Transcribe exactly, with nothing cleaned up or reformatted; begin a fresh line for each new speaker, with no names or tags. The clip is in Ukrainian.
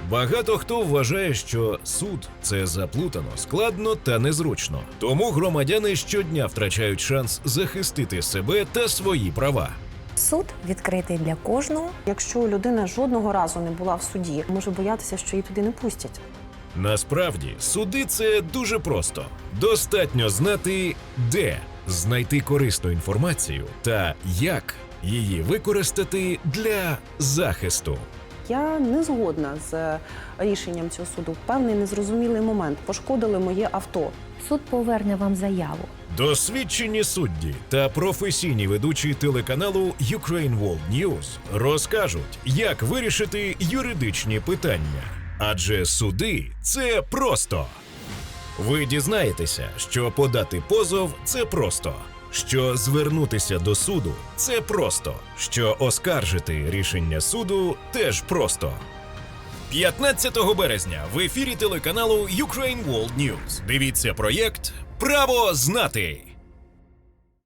Багато хто вважає, що суд – це заплутано, складно та незручно. Тому громадяни щодня втрачають шанс захистити себе та свої права.
Суд відкритий для кожного.
Якщо людина жодного разу не була в суді, може боятися, що її туди не пустять.
Насправді, суди – це дуже просто. Достатньо знати, де знайти корисну інформацію та як її використати для захисту.
Я не згодна з рішенням цього суду. В певний незрозумілий момент пошкодили моє авто.
Суд поверне вам заяву.
Досвідчені судді та професійні ведучі телеканалу Ukraine World News розкажуть, як вирішити юридичні питання. Адже суди – це просто. Ви дізнаєтеся, що подати позов – це просто, що звернутися до суду – це просто, що оскаржити рішення суду – теж просто. п'ятнадцятого березня в ефірі телеканалу Ukraine World News. Дивіться проєкт «Право знати».